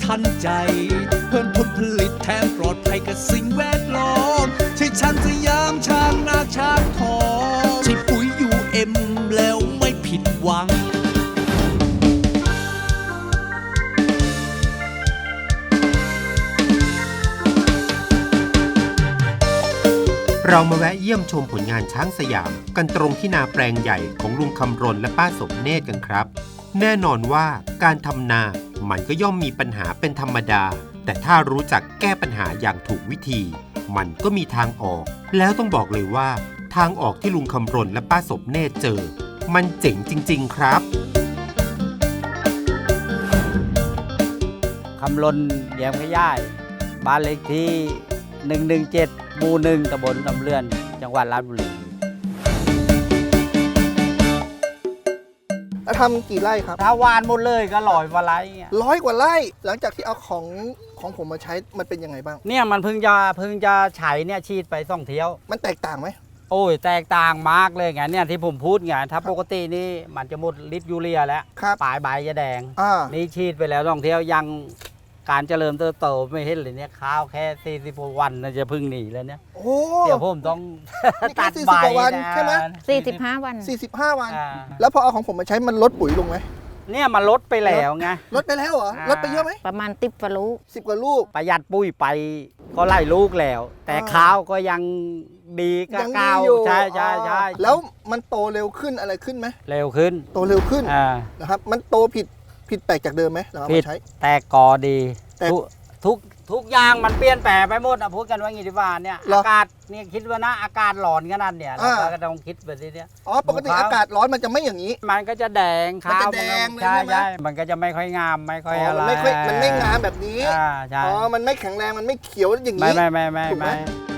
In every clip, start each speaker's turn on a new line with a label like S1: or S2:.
S1: ทันใจเพิ่มผลผลิตแถมปลอดภัยกับสิ่งแวดล้อมใช่ช้างสยามช้างนาช้างทองใช่ปุ๋ยUMแล้วไม่ผิดหวัง
S2: เรามาแวะเยี่ยมชมผลงานช้างสยามกันตรงที่นาแปลงใหญ่ของลุงคำรณและป้าสมเนตรกันครับแน่นอนว่าการทำนามันก็ย่อมมีปัญหาเป็นธรรมดาแต่ถ้ารู้จักแก้ปัญหาอย่างถูกวิธีมันก็มีทางออกแล้วต้องบอกเลยว่าทางออกที่ลุงคำรณและป้าสมเนตรเจอมันเจ๋งจริงๆครับ
S3: คำลนเดียมขย่ายบ้านเลขที่117 หมู่ 1 ตำบลสำเรือนจังหวัดราชบุรี
S4: ทำกี่ไร่ครับ
S3: ถ้าวานหมดเลยก็100 กว่าไร่
S4: 100 กว่าไร่ หลังจากที่เอาของผมมาใช้มันเป็นยังไงบ้าง
S3: เนี่ยมันเพิ่งจะใช้เนี่ยฉีดไป2 เที่ยว
S4: มันแตกต่างไหม
S3: โอ้ยแตกต่างมากเลยไงเนี่ยที่ผมพูดไงถ้าปกตินี่มันจะหมดฤทธิ์ยูเรียแล้วปลายใบจะแดงนี่ฉีดไปแล้ว2 เที่ยวยังการเจริญเติบโตไม่เห็นเลยเนี่ยข้าวแค่40 วันจะพึ่งหนีแล้วเนี่ยเดี๋ยวผมต้องตัดใบ
S4: ใช่ไหม
S5: 45 วัน
S4: 45 วันแล้วพอเอาของผมมาใช้มันลดปุ๋ยลงไหม
S3: เนี่ยมันลดไปแล้วไง
S4: ลดไปแล้วเหรอลดไปเยอะไหม
S5: ประมาณ10 กว่าลูก
S4: 10 กว่าลูก
S3: ประหยัดปุ๋ยไปก็ไล่ลูกแล้วแต่ข้าวก็ยังดีก็เก่าใช่
S4: แล้วมันโตเร็วขึ้นอะไรขึ้นไหม
S3: เร็วขึ้น
S4: โตเร็วขึ้นนะครับมันโตผิดแปลกจากเดิมไหมเรา
S3: ผิดแต่กอดีทุกอย่างมันเปลี่ยนแปลงไปหมดนะพูดกันว่างี้ดีกว่าเนี่ยอากาศเนี่ยคิดว่านะอากาศร้อนขนาดเนี่ยเราก็ต้องคิดแบบนี้เนี่ย
S4: ปกติอากาศร้อนมันจะไม่อย่างนี้
S3: มันก็จะแดงข้าวใช่มันก็จะไม่ค่อยงามไม่ค่อยอะไร
S4: มันไม่งามแบบนี้
S3: ใช่
S4: มันไม่แข็งแรงมันไม่เขียวอย่างนี้
S3: ไม่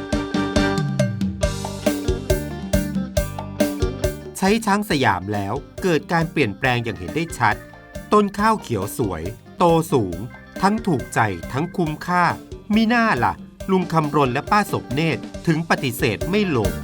S2: ใช้ช้างสยามแล้วเกิดการเปลี่ยนแปลงอย่างเห็นได้ชัดต้นข้าวเขียวสวยโตสูงทั้งถูกใจทั้งคุ้มค่ามีหน้าล่ะลุงคำรณและป้าสมเนตรถึงปฏิเสธไม่ลง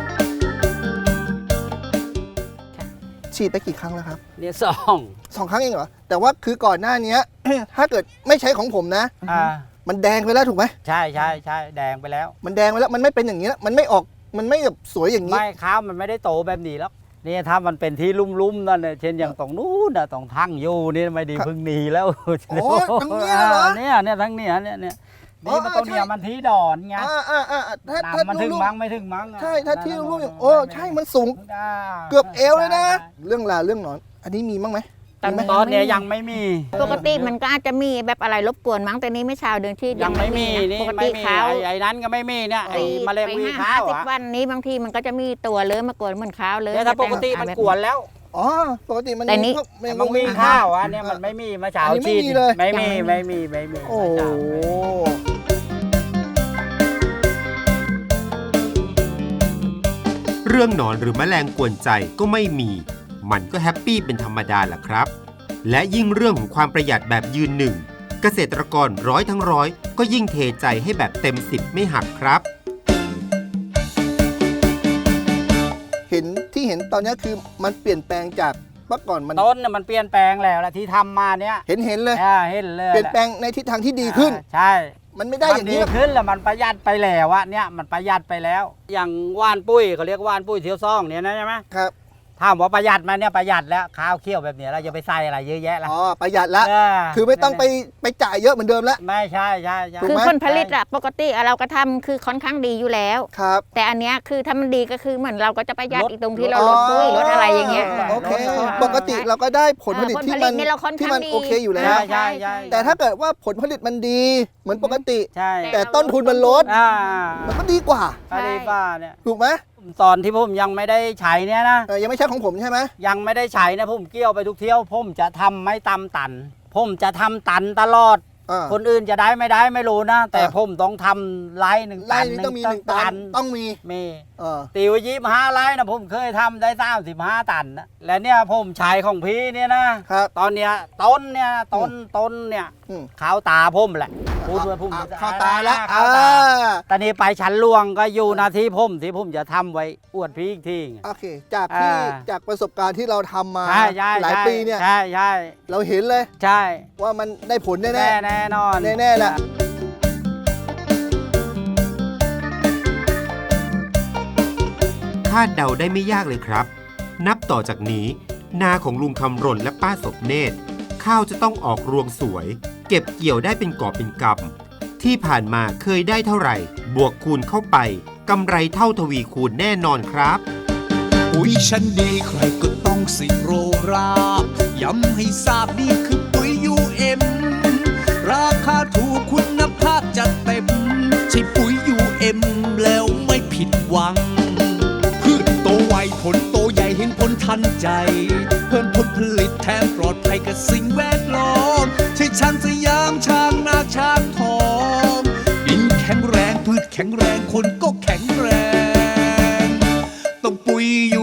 S4: ฉีดไปกี่ครั้งแล้วครับ
S3: เนี่ย2
S4: ครั้งเองเหรอแต่ว่าคือก่อนหน้านี้ ถ้าเกิดไม่ใช้ของผมนะมันแดงไปแล้วถูกไหม
S3: ใช่แดงไปแล้ว
S4: มันแดงไปแล้วมันไม่เป็นอย่างนี้แล้วมันไม่ออกมันไม่แบบสวยอย่างนี้
S3: ไม่ข้าวมันไม่ได้โตแบบนี้แล้วนี่ถ้ามันเป็นที่ลุ่มๆนั่นเนี่ยเช่นอย่างตรงนู้นนะตรงทั้งอยู่นี่ไม่ดีพึ่งหนีแล้ว
S4: โอ้ทั้งนี้เหรอ
S3: เนี่ยทั้งนี้เนี่ยนี่มันตัวเนี่ยมันที่ดอนไงถ้ามันถึงมั้งไม่ถึงมั้ง
S4: ใช่ถ้าที่ลุ่มอย่างใช่มันสูงเกือบเอวเลยนะเรื่องหนอนอันนี้มีมั้งไหม
S3: ตอนนี้ยังไม่มี
S5: ปกติมันก็อาจจะมีแบบอะไรรบกวนมั้งแต่นี้ไม่เช้าเดินที่
S3: ยังไม่มีนี่ไม่มีไอ้นั้นก็ไม่มีเนี่ยไอ้มะเร็งวีข้าว
S5: 10 วันนี้บางทีมันก็จะมีตัวเลื้อยมากวนเหมือนข้าวเลย
S3: ถ้าปกติมันกวนแล้ว
S4: ปกติมัน
S3: มีข้าวเนี่ยมันไม่มีมาเช้าชีดไม่มี
S4: โอ้
S2: เรื่องหนอนหรือแมลงกวนใจก็ไม่มีมันก็แฮปปี้เป็นธรรมดาแหละครับและยิ่งเรื่องของความประหยัดแบบยืนหนึ่งเกษตรกร100 ทั้ง 100ก็ยิ่งเทใจให้แบบเต็ม10ไม่หักครับ
S4: เห็นตอนนี้คือมันเปลี่ยนแปลงจากเมื่อก่อน
S3: ต้นเนี่ยมันเปลี่ยนแปลงแล้วที่ทำมาเนี่ย
S4: เห็นเลยเปลี่ยนแปลงในทิศทางที่ดีขึ้น
S3: ใช่
S4: มันไม่ได้อย่างนี้
S3: ขึ้นแล้วมันประหยัดไปแล้วเนี่ยมันประหยัดไปแล้วอย่างว่านปุ้ยเขาเรียกว่านปุ้ยเทียวซ่องเนี่ยนะใช่ไหม
S4: ครับ
S3: ถามว่าประหยัดมาเนี่ยประหยัดแล้วข้าวเคี่ยวแบบนี้เราจะไปใส่อะไรเยอะแยะแล้ว
S4: ประหยัดแล้วคือไม่ต้องไปจ่ายเยอะเหมือนเดิมแล้ว
S3: ไม่ใช่
S5: คือผลผลิตอะปกติเราก็ทำคือค่อนข้างดีอยู่แล้ว
S4: ครับ
S5: แต่อันเนี้ยคือถ้ามันดีก็คือเหมือนเราก็จะประหยัดอีกตรงที่เราลดปุ๋ยลดอะไรอย่างเงี้ย
S4: โอเคปกติเราก็ได้ผลผลิตที่มันโอเคอยู่แล้วแต่ถ้าเกิดว่าผลผลิตมันดีเหมือนปกติแต่ต้นทุนมันลดมันก็ดีกว่า
S3: เนี่ย
S4: ถูกไหม
S3: ตอนที่ผมยังไม่ได้ใช้เนี่ยนะ
S4: ยังไม่ใช่ของผมใช่ไหม
S3: ยังไม่ได้ใช้นะผมเกี่ยวไปทุกเที่ยวผมจะทำไม่ตำตันผมจะทำตันตลอดคนอื่นจะได้ไม่ได้ไม่รู้นะแต่ผมต้องทำไร่1 ตัน
S4: ต้องมี1 ตันต้องมี
S3: ตีไว้25 ไร่นะผมเคยทำได้35 ตันนะและเนี่ยผมใช้ของพี่เนี่ยนะตอนเนี้ยต้นเนี่ยข้าวตาพุ่มแหละพูดว่าพุ่ม
S4: เข้าตาแล้ว
S3: ข้าวตาตอนนี้ไปชั้นลวงก็อยู่หนาที่พุ่มที่พุ่มจะทำไว้อวดพี่อีกที
S4: โอเคจากประสบการณ์ที่เราทำมา
S3: ใช่
S4: หลายปีเนี่ย
S3: ใช่ใช่
S4: เราเห็นเลย
S3: ใช่
S4: ว่ามันได้ผลแน่
S3: แน่นอน
S4: แน่แหละ
S2: คาดเดาได้ไม่ยากเลยครับ นับต่อจากนี้นาของลุงคำรณและป้าสมเนตรข้าวจะต้องออกรวงสวย เก็บเกี่ยวได้เป็นกอบเป็นกำที่ผ่านมาเคยได้เท่าไหร่ บวกคูณเข้าไปกำไรเท่าทวีคูณแน่นอนครับ
S1: ปุ๋ยชั้นดีใครก็ต้องสิโรราย้ำให้ทราบนี่คือปุ๋ย UM ราคาถูกคุณภาพจัดเต็มใช่ปุ๋ย UM แล้วไม่ผิดหวังพืชโตไวผลโตใหญ่เห็นผลทันใจ เพิ่มผลผลิตแถมปลอดภัยกับสิ่งแวดล้อมใช่ช้างสยามช้างนาช้างทองดินแข็งแรงพืชแข็งแรงคนก็แข็งแรงต้องปุ๋ย